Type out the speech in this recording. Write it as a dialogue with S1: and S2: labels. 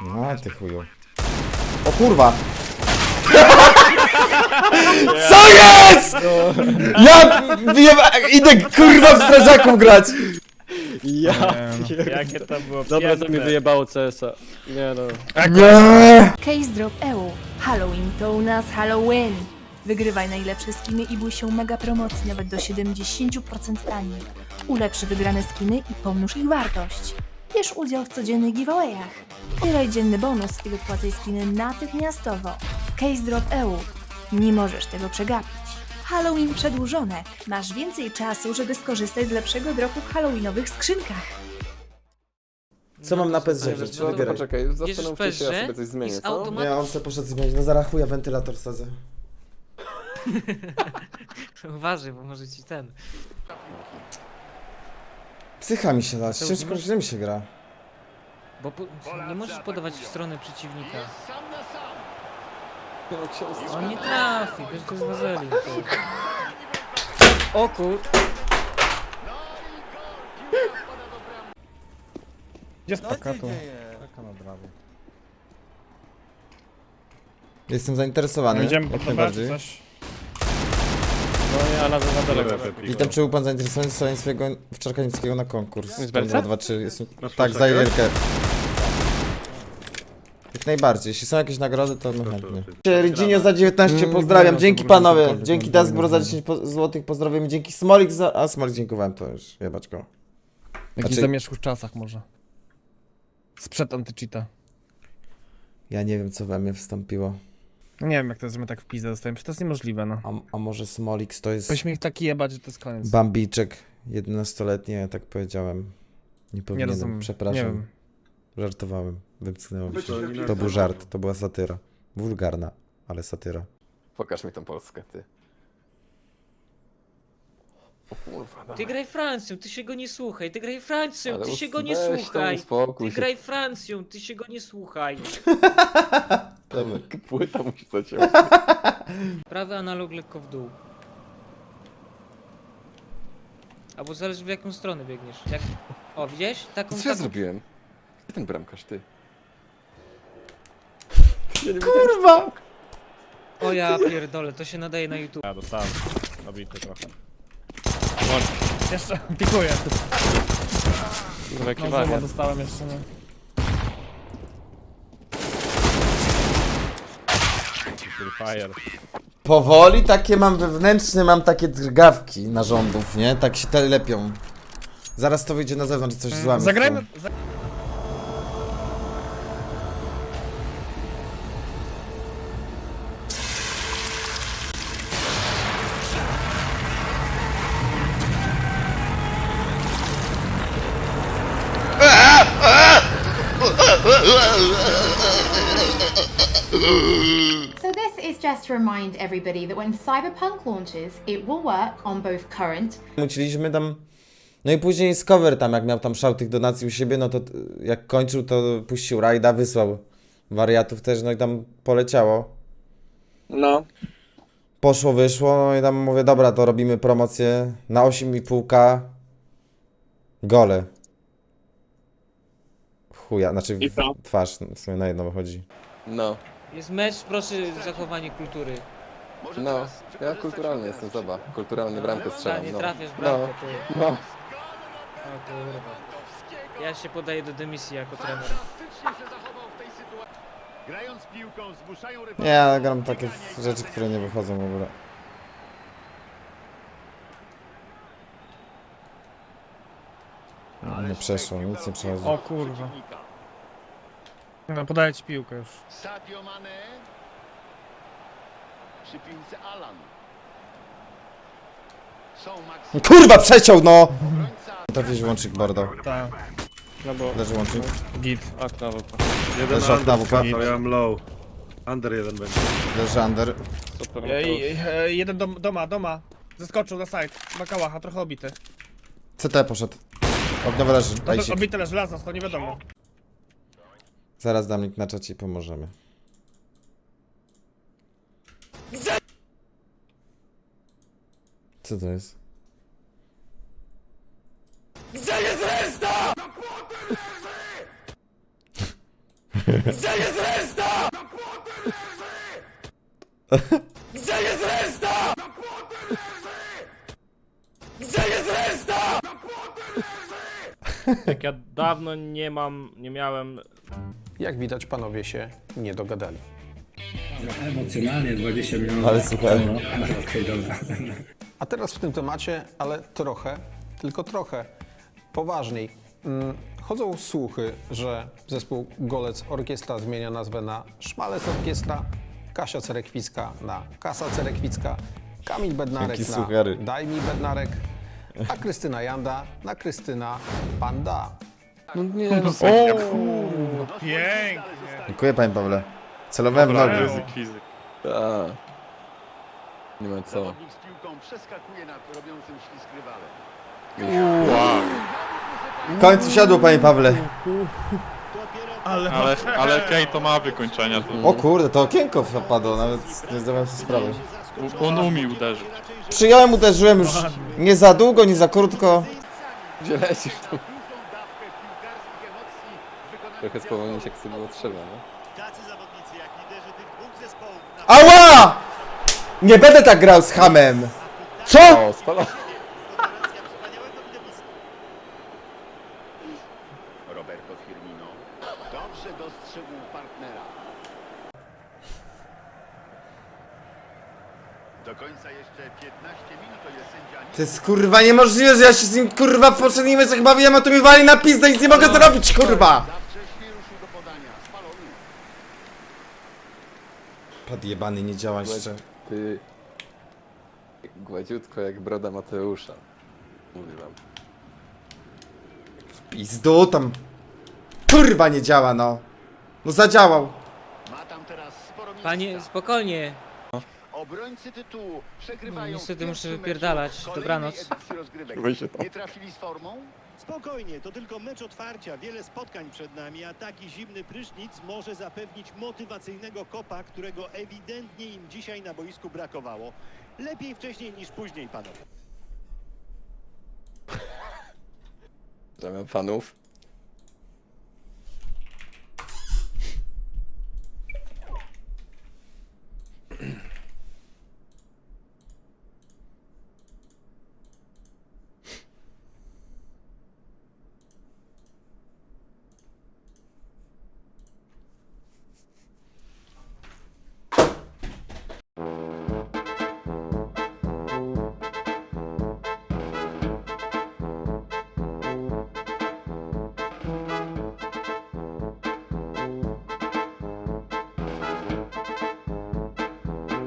S1: No ty chuju. O kurwa! Co jest?! Idę kurwa w strażaków grać!
S2: Ja
S3: Jakie to było
S2: Dobra, to mi
S3: piękne.
S2: wyjebało CS-a. Nie no.
S1: Nie!
S4: Case Drop EU. Halloween to u nas Halloween. Wygrywaj najlepsze skiny i bój się mega promocji nawet do 70% taniej. Ulepszy wygrane skiny i pomnóż ich wartość. Bierz udział w codziennych giveawayach. Zbieraj dzienny bonus i wypłacaj skiny natychmiastowo. Case Drop EU. Nie możesz tego przegapić. Halloween przedłużone. Masz więcej czasu, żeby skorzystać z lepszego dropu w halloweenowych skrzynkach.
S1: Co mam na PSG?
S3: No
S1: Czy
S3: to
S1: wybieraj?
S5: Poczekaj, zastanówcie się, ja
S3: PSG?
S5: sobie coś zmienię,
S3: Jest
S5: co?
S3: automat-
S1: Nie, on sobie poszedł zmienić. No zaraz chuja wentylator sadzę.
S3: Uważaj, bo może ci ten.
S1: Psycha mi się da,
S3: To
S1: ciężko
S3: już-
S1: źle mi się gra.
S3: Bo nie możesz podawać w stronę przeciwnika.
S5: No, ksiądz,
S3: On nie trafi, wiesz, to jest wazelin. O kur...
S6: Gdzie jest paka tu?
S1: Jestem zainteresowany,
S6: Będziemy
S1: jak
S6: poddawać
S1: najbardziej.
S6: coś.
S2: No nie, ale za daleko.
S1: Witam, czy był pan zainteresowany stoleniem swojego wczorka niemieckiego na konkurs?
S2: Z Berca?
S1: 2, 3, jestem... Tak, za Jerkę. Jak najbardziej, jeśli są jakieś nagrody, to no chętnie. Ridzinio za 19, pozdrawiam, dzięki panowie, dzięki Daskbro za 10 złotych, pozdrawiam, dzięki Smolik za... A, Smolik dziękowałem, to już, jebać go.
S6: Jakiś
S1: Znaczy-
S6: zamierzchłych czasach może. Sprzed anty-cheata.
S1: Ja nie wiem, co we mnie wstąpiło.
S6: Nie wiem jak to jest, że my tak w pizdę dostajemy, to jest niemożliwe no.
S1: A może Smolix to jest
S6: Powinniśmy ich taki jebać, że to jest koniec.
S1: Bambiczek 11-letni, ja tak powiedziałem. Nie
S6: Nie
S1: powinienem,
S6: rozumiem, nie
S1: przepraszam.
S6: wiem.
S1: Żartowałem, wymknęło mi się. To był żart, to była satyra. Wulgarna, ale satyra.
S5: Pokaż mi tą Polskę, ty. O kurwa,
S3: Ty
S5: dawaj.
S3: graj Francją, ty się go nie słuchaj, ty graj Francją,
S5: Ale
S3: ty się go nie
S5: weź tam
S3: słuchaj.
S5: uspokój
S3: Ty
S5: się.
S3: graj Francją, ty się go nie słuchaj.
S5: Dobra, płyta musi zaciąć.
S3: Prawy analog lekko w dół. Albo zależy w jaką stronę biegniesz. Jak... O, widziałeś? Taką,
S5: Co ja
S3: taką...
S5: zrobiłem? Gdzie ten bramkarz, ty? Ja nie
S1: Kurwa!
S3: O ja pierdolę, to się nadaje na YouTube.
S2: Ja dostałem. Nabity trochę.
S6: Jeszcze pikuję.
S2: Kurwa, jaki
S6: No
S2: wariat.
S6: znowu dostałem jeszcze nie.
S2: Fire.
S1: Powoli takie mam wewnętrzne, mam takie drgawki narządów, nie? Tak się te lepią. Zaraz to wyjdzie na zewnątrz, coś złamy.
S6: Zagrajmy...
S7: So this is just to remind everybody that when Cyberpunk launches, it will work on both current
S1: Muciliśmy tam... No i później z cover tam, jak miał tam szał tych donacji u siebie, no to jak kończył, to puścił rajda, wysłał wariatów też, no i tam poleciało.
S2: No.
S1: Poszło, wyszło, no i tam mówię, dobra, to robimy promocję na 8,5K gole. Chuja, znaczy
S2: I co?
S1: twarz, w sumie na jedno wychodzi.
S5: No,
S3: Jest mecz, proszę zachowanie kultury.
S5: no. Ja kulturalny jestem, zobacz. Kulturalnie bramkę
S3: Ta,
S5: strzelam,
S3: nie
S5: no.
S3: trafiasz w bramkę, ty.
S5: No.
S3: O kurwa. Ja się podaję do dymisji jako trener.
S1: Nie, ja gram takie rzeczy, które nie wychodzą w ogóle. Nie przeszło, nic nie przechodzi.
S6: O kurwa. No podaję ci piłkę już.
S8: Sadio Mane. Przy piłce Alan. Są Max
S1: Kurwa, przeciął, no!
S8: obrońca.
S1: Trafisz łącznik Bordo.
S6: Tak.
S2: No bo...
S1: Leży łącznik.
S6: Git.
S2: Okno wypadło.
S9: Jeden
S1: Leży okna
S9: under
S1: WP.
S9: skakał, ja mam low. Under jeden będzie.
S1: Leży under.
S2: Super.
S6: Jeden doma. Zeskoczył na side. Ma kałacha, trochę obity.
S1: CT poszedł. Ogniowy leży.
S6: No
S1: Ajsik.
S6: to obity leży, las to nie wiadomo.
S1: Zaraz dam link na czacie i pomożemy. Co to jest? Gdzie jest reszta?!
S2: Jak ja dawno nie miałem...
S10: Jak widać, panowie się nie dogadali.
S11: Emocjonalnie 20 milionów
S1: Ale super.
S11: euro. Okej, dobra.
S10: A teraz w tym temacie, ale trochę, tylko trochę poważniej. Chodzą słuchy, że zespół Golec Orkiestra zmienia nazwę na Szmalec Orkiestra, Kasia Cerekwicka na Kasa Cerekwicka, Kamil Bednarek
S1: Jakie
S10: na
S1: suchary.
S10: Daj mi Bednarek, a Krystyna Janda na Krystyna Panda.
S5: No nie, no
S6: Pięknie.
S1: Dziękuję, panie Pawle. Celowałem w nogę.
S5: A. Nie ma co.
S8: Zawodnik z piłką przeskakuje nad robiącym ślizg rywalem.
S1: W końcu siadło, panie Pawle.
S9: Ale Kane to ma wykończenia. To
S1: O kurde, to okienko wpadło, nawet nie zdawałem sobie sprawy.
S9: on umie uderzyć.
S1: Przyjąłem, uderzyłem już nie za długo, nie za krótko.
S5: Gdzie lecisz tu?
S8: Dużą dawkę piłkarskich emocji w wykonaniu
S5: Trochę spowolnić jak sobie było trzeba, no.
S8: tacy zawodnicy jak liderzy tych dwóch zespołów na
S1: Ała! Nie będę tak grał z hamem. Co?
S5: O, spala.
S8: Roberto Firmino dobrze dostrzegł partnera. Do końca jeszcze 15 minut, to jest sędzia.
S1: To jest kurwa niemożliwe, że ja się z nim kurwa w poprzednim meczach bawiłem, a tu mi wali na pizdę i nic nie mogę zrobić, kurwa!
S8: Za wcześnie ruszył do podania. Spalony.
S1: Pad jebany nie działa jeszcze.
S5: Ty... Gładziutko jak broda Mateusza. Mówię wam.
S1: Pizdu tam. Kurwa nie działa, no. No zadziałał.
S8: Ma tam teraz sporo miejsca.
S3: Panie, spokojnie.
S8: Obrońcy tytułu przegrywają.
S3: Niestety
S8: w
S3: muszę
S8: pierwszym
S3: wypierdalać.
S8: meczu kolejnej
S3: Dobranoc.
S8: edycji rozgrywek. Nie trafili z formą?
S12: Spokojnie, to tylko mecz otwarcia, wiele spotkań przed nami, a taki zimny prysznic może zapewnić motywacyjnego kopa, którego ewidentnie im dzisiaj na boisku brakowało. Lepiej wcześniej niż później, panowie.
S5: Zamiast fanów.